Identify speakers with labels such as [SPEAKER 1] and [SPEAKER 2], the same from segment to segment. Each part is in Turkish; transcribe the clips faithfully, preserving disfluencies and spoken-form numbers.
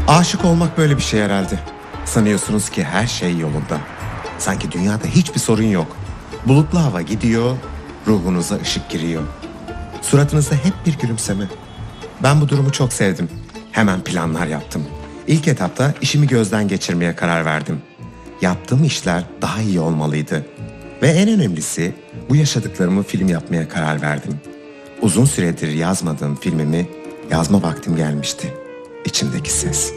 [SPEAKER 1] Aşık olmak böyle bir şey herhalde. Sanıyorsunuz ki her şey yolunda. Sanki dünyada hiçbir sorun yok. Bulutlu hava gidiyor, ruhunuza ışık giriyor. Suratınızda hep bir gülümseme. Ben bu durumu çok sevdim. Hemen planlar yaptım. İlk etapta işimi gözden geçirmeye karar verdim. Yaptığım işler daha iyi olmalıydı. Ve en önemlisi bu yaşadıklarımı film yapmaya karar verdim. Uzun süredir yazmadığım filmimi yazma vaktim gelmişti. İçimdeki ses.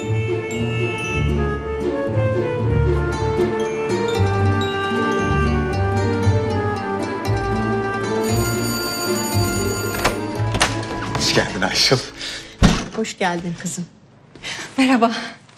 [SPEAKER 1] Hoş geldin Ayşıl.
[SPEAKER 2] Hoş geldin kızım.
[SPEAKER 3] Merhaba.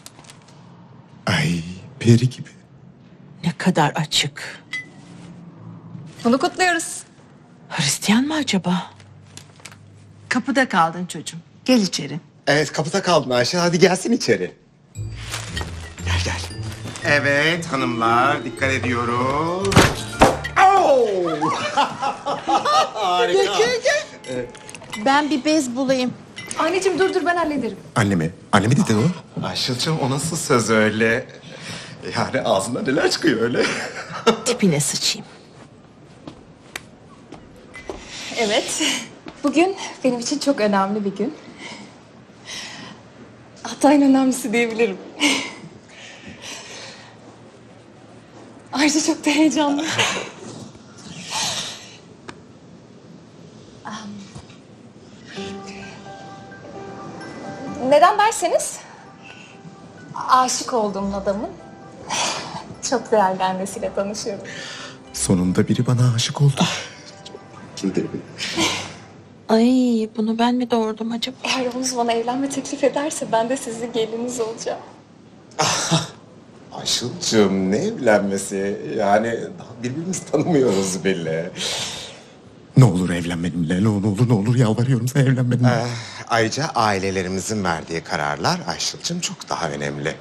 [SPEAKER 1] Ay peri gibi.
[SPEAKER 2] Ne kadar açık.
[SPEAKER 3] Bunu kutluyoruz.
[SPEAKER 2] Hristiyan mı acaba? Kapıda kaldın çocuğum. Gel içeri.
[SPEAKER 1] Evet kapıda kaldın Ayşe. Hadi gelsin içeri. Gel gel. Evet hanımlar dikkat ediyoruz. Oh! Harika.
[SPEAKER 2] Ben bir bez bulayım.
[SPEAKER 3] Anneciğim dur dur ben hallederim.
[SPEAKER 1] Anne mi? Anne mi dedin o? Ayşıl'cığım o nasıl söz öyle? Yani ağzından neler çıkıyor öyle?
[SPEAKER 2] Tipine sıçayım.
[SPEAKER 3] Evet. Bugün benim için çok önemli bir gün. Hatta en önemlisi diyebilirim. Ayrıca çok da heyecanlı. Neden derseniz aşık olduğum adamın çok değerli annesiyle tanışıyorum.
[SPEAKER 1] Sonunda biri bana aşık oldu. Şimdi
[SPEAKER 2] Ay bunu ben mi doğurdum acaba?
[SPEAKER 3] Eğer Oğuz bana evlenme teklif ederse ben de sizin geliniz olacağım.
[SPEAKER 1] Ayşıl'cığım ne evlenmesi? Yani daha birbirimizi tanımıyoruz bile. Ne olur evlen benimle. Ne olur, ne olur, ne olur yalvarıyorum sana evlen benimle.
[SPEAKER 4] Ee, ayrıca ailelerimizin verdiği kararlar Ayşıl'cığım çok daha önemli.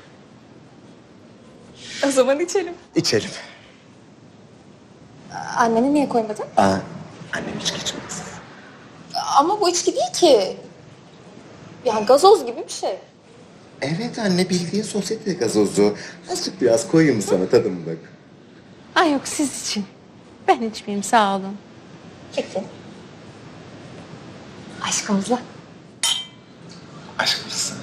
[SPEAKER 3] O zaman içelim.
[SPEAKER 4] İçelim.
[SPEAKER 3] Anneni niye koymadın?
[SPEAKER 4] Aa, annem hiç geçmez.
[SPEAKER 3] Ama bu içki değil ki. Yani gazoz gibi bir şey.
[SPEAKER 4] Evet anne bildiğin sosyete gazozu. Azıcık biraz koyayım sana tadımlık. bak.
[SPEAKER 2] Ay yok siz için. Ben içmeyeyim sağ olun.
[SPEAKER 3] Peki. Aşkımızla.
[SPEAKER 4] Aşk mısın?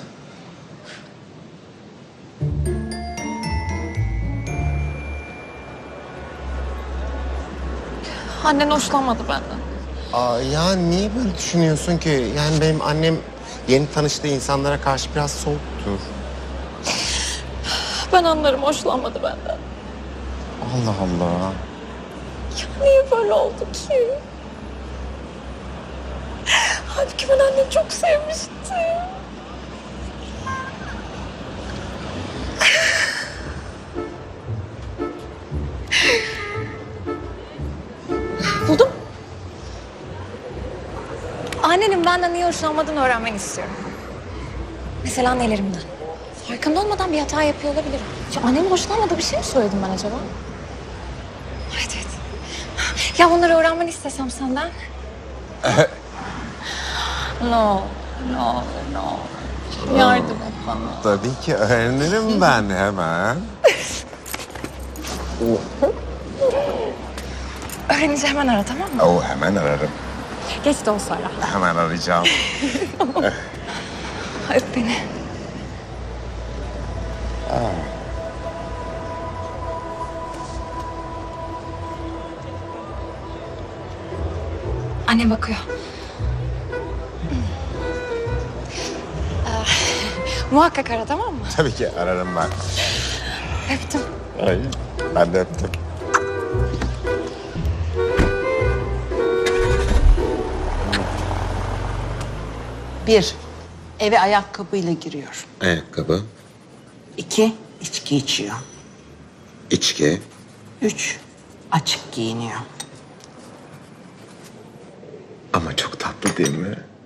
[SPEAKER 3] Annen hoşlanmadı benden.
[SPEAKER 4] Aa, ya niye böyle düşünüyorsun ki? Yani benim annem yeni tanıştığı insanlara karşı biraz soğuktur.
[SPEAKER 3] Ben anlarım hoşlanmadı benden.
[SPEAKER 4] Allah Allah.
[SPEAKER 3] Niye böyle oldu ki? Halbuki ben annemi çok sevmiştim. Buldum. Annenin benden niye hoşlanmadığını öğrenmeni istiyorum. Mesela nelerimden. Farkında olmadan bir hata yapıyor olabilirim. Ya annemin hoşlanmadığı bir şey mi söyledim ben acaba? Evet evet. Ya bunları öğrenmeni istesem senden. No, no, no. Yardım et bana.
[SPEAKER 4] Tabii ki öğrenirim ben hemen.
[SPEAKER 3] Öğrenince hemen ara tamam mı?
[SPEAKER 4] Oh, hemen ararım.
[SPEAKER 3] Geç de olsa ara.
[SPEAKER 4] Hemen arayacağım.
[SPEAKER 3] Öp beni. Annem bakıyor. Ee, muhakkak ara tamam mı?
[SPEAKER 4] Tabii ki ararım ben.
[SPEAKER 3] Öptüm.
[SPEAKER 4] Ay, ben de öptüm.
[SPEAKER 2] Bir, eve ayakkabıyla giriyor.
[SPEAKER 4] Ayakkabı,
[SPEAKER 2] İki, içki içiyor.
[SPEAKER 4] içki,
[SPEAKER 2] Üç, açık giyiniyor.
[SPEAKER 4] ama çok tatlı değil mi?